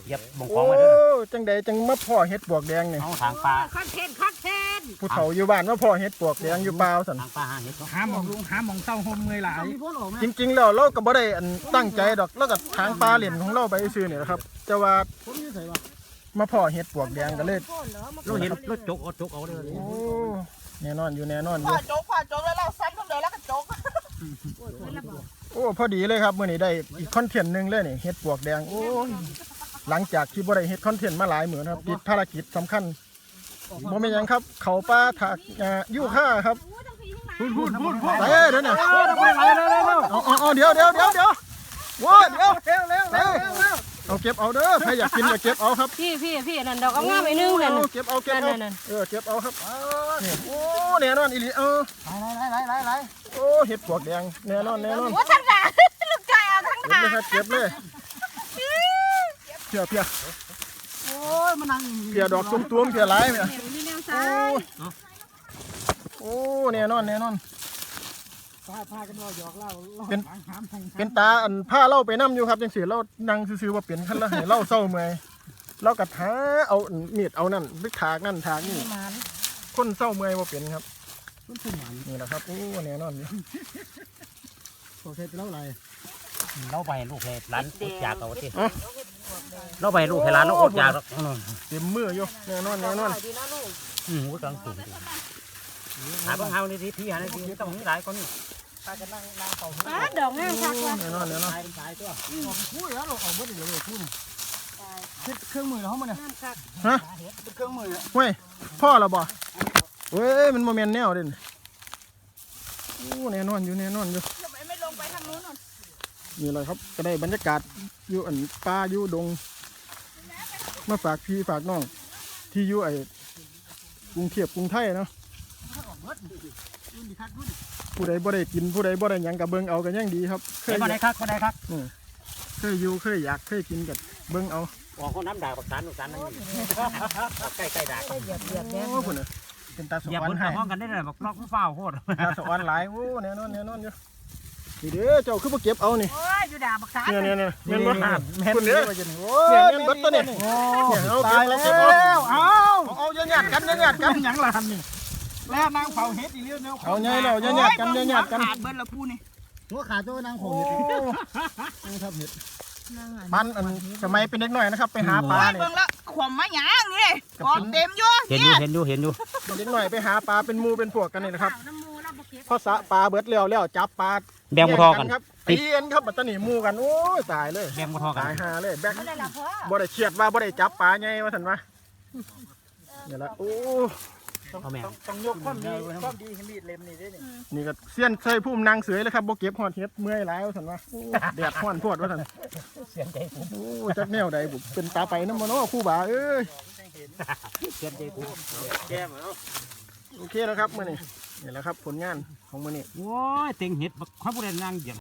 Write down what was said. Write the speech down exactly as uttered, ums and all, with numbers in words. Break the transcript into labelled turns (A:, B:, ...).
A: เหยียบบ่งของมาเด้อ
B: จังใดจังมาพ่อเห็ดปวกแดงนี่
A: เอาทางปลา
C: คอนเทนต์คอนเทนต์
B: ผู้เฒ่าอยู่บ้านมาพ่อเห็ดปวกแดงอยู่เปล่าสัน
A: ทางปลาหาเห็ดเนาะ
D: หาหมองลุงหาหมองเศร้าโฮมเมื่อยหลาย
B: จริงๆแล้วเราก็บ่ได้อันตั้งใจดอกแล้วก็ทางปลาเหรียญของเราไปซื้อนี่แหละครับแต่ว่ามาพ่อเห็ดปวกแดงก็เลย
A: เราเห็นรถจกเอาจกเอาเด้อ
B: โอ้แน่นอนอยู่แน่นอนอ
C: พ่อยู่ โจ๊กพ่อโจ๊กแล้วเราซ้ำคนเดียวแล้วก็โจ๊ก
B: โอ้พอดีเลยครับมื้อนี้ได้อีกคอนเทนต์หนึงเลยนี่เห็ดปวกแดงโอ้ยหลังจากที่บ่ได้เฮ็ดคอนเทนต์มาหลายมื้อนะครับติดภารกิจสำคัญบ่แม่นหยังครับเขาป่าถากอ่ายูค่าครับ
D: พูดพูดพูดพูด
B: ไปเอ้ยเดี๋ยวนี้เอาเอาเอาเดี๋ยวเดี๋ยวเดี๋ยวเดี๋ยวโว้ยเดี๋ยวเร็วเร็วเร็วเอาเก็บเอาเด้อใครอยากกินก็เก็บเอาครับ
E: พี่พี่พี่นั่นดอกงามๆไอ้นึงนั่น
B: เก็บเอาเก็บเอา
E: นั่น
B: เออเก็บเอาครับนี่โอ้แน่นอนอีหลีเออ
D: ไหลไหลไหลไหล
B: โอ้เห็ดปวกแดงแน่นอนแน่นอน
C: ว่าท่านด่าลูกชายเอาทั้ง
B: เก็บเลยครับเก็บเลยเพียเพีย
D: โอ้ยมันนั่ง
B: เพียดอกตุ้มๆเพียหลายเนี่ย
E: มีแนว
B: โอ้
E: ซ้าย
B: โอ้แน่นอนแน่นอน
D: พาพากันว่าหยอกเล่า
B: เป็น
D: หามทง
B: เป็นตาอันผ้าเล่าไปน้ำอยู่ครับจังสีเรานั่งซื่อๆว่าเป็นขั้นละให้เล่าเศร้าเมื่อยเรากระท้าเอามีดเอานั่นไปถากนั่นถากนี่คนเศร้าเมื่อยว่าเป็นครับ
D: มันขึ้นหวาน
B: นี่แหละครับโอ้แน่นอนอยู่
D: โอเคไปแล้วอะไร
A: เราไปลูกให้ร้านอดอยากเอาติเราไปลูกให้ร้านเราอดอยากหรอก
B: เต็มมืออยู่แน่นอนแน่นอน
A: อืมหูกลางสูงหาบางเฮานี่ที่พี่หาในที่ต้องมีหลายคนนี่
E: ป้าดอกงามคักว่ะ
B: แน่นอนแน่นอน
A: ตายเป็นตายตัว
D: พูดแล้วเราเอาเบิดเดี๋ยวเลยพูดคิดเครื่องมือเราเขามาเนี่ย
E: งามคัก
B: ฮะ
D: เครื่องมือ
B: เว้ยพ่อเราบ่เว้ยมันโมเมนแนวเด่นโอ้แน่นอนอยู่แน่นอนอยู่
C: ทำไมไม่ลงไปทางนู้น
B: นี่เลยครับก็ได้บรรยากาศอยู่อันป่าอยู่ดงมาฝากพี่ฝากน้องที่อยู่ไอ้กรุงเทพกรุงไทยเนาะผู้ใดบ่ได้กินผู้ใดบ่ได้หยังกับเบิ่งเอากันยังดีครับเค
A: เฮ้ย
B: ย
A: มาได้คักมาได้คัก
B: เคยอยู่เคยอยากเคยกินกับเบิ่งเอา
A: ออกคนน้ำด่าปักสารปักสารนั่นใกล้ใกล้ด่า
E: เหยียบเหยียบแดง
B: โอ้พุ่นน่ะเป็นตาส
A: อย่าว
B: ร
A: พ้น
B: รค์ให้
A: ห้องกันได้เลยบอกนอกเฝ้าโคตร
B: ตาสวรรค์หลายโอ้แน่นอนแน่นอนอยู่นี่เด้อเจ้าคือบ่เก็บเอานี่
C: โอ้ยอยู่ด่าบักษา
B: เนี่ยเนี่ยเนี่ยแม่นบ่
D: แม่น
B: คุณ
D: เด้
B: เด้
D: อ
B: อเนี่ยแม่นเบิดตัวเนี่ยเนี่ยเอาเก็บเอาเก็บเอา
D: เอา
B: เอาเอาอย่าหยาดกันอย่าหยาดกัน
D: หยังล่ะนี่แล้วนางเผาเฮ็ดอีเลี้ยวเนี่ย
B: เอาไงเราอย่าหยาดกันอย่าหยาดกัน
C: ขาดเบิ้ลละพูนี่
D: หัวขาดตัวนางเผาเฮ็ดนางทับเฮ็ด
B: มันอันสมัยเป็นเด็กน้อยนะครับไปหาปลา
C: โอ้ย
B: เนี่ย
C: เบิ้งละขวมมาหยางนี่กอดเต็มอยู่
A: เห็นอยู่เห็นอยู่เห็นอยู่
B: เป็นเด็กน้อยไปหาปลาเป็นหมูเป็นพวกกันนี่นะครับ
E: น้ำมูเราบ่เก็บ
B: พอสะปลาเบิดแล้วแล้วจับปลา
A: แบ่งบ่ทอกัน
B: ครับตีกันครับบัดตะนี่หมูกันโอ้ยตายเลย
A: แบ่งบ่ทอกัน
B: ตายหาเลยแบก
C: ไม่ได้ละเพ่อ
B: บ่ได้เครียดว่าบ่ได้จับปลาไงว่าซั่นวะนี่ละโอ้
A: เอาแม่ง
D: ต้องยกความดีความดีให้มีดเล่มนี่ด้วยนี่
B: นี่ก็เสี้ยนใส่พุ่มนางเสือเลยครับบ่เก็บฮอดเฮ็ดเมื่อยหลายว่าซั่นวะโอ้แดดฮ้อนโพดว่าซั่น
A: เสียงใจผม
B: โอ้จักแนวใดบุเป็นตาไปนำบ่เนาะครูบาเอ้ย
A: เสียงใจผม
D: แก้มเอา
B: โอเคแล้วครับมื้อนี้นี่แหละครับผลงานของมื้อนี้
A: โอ้ยเต็งเห็ดข้าวผู้ใดนั่งเหยียบ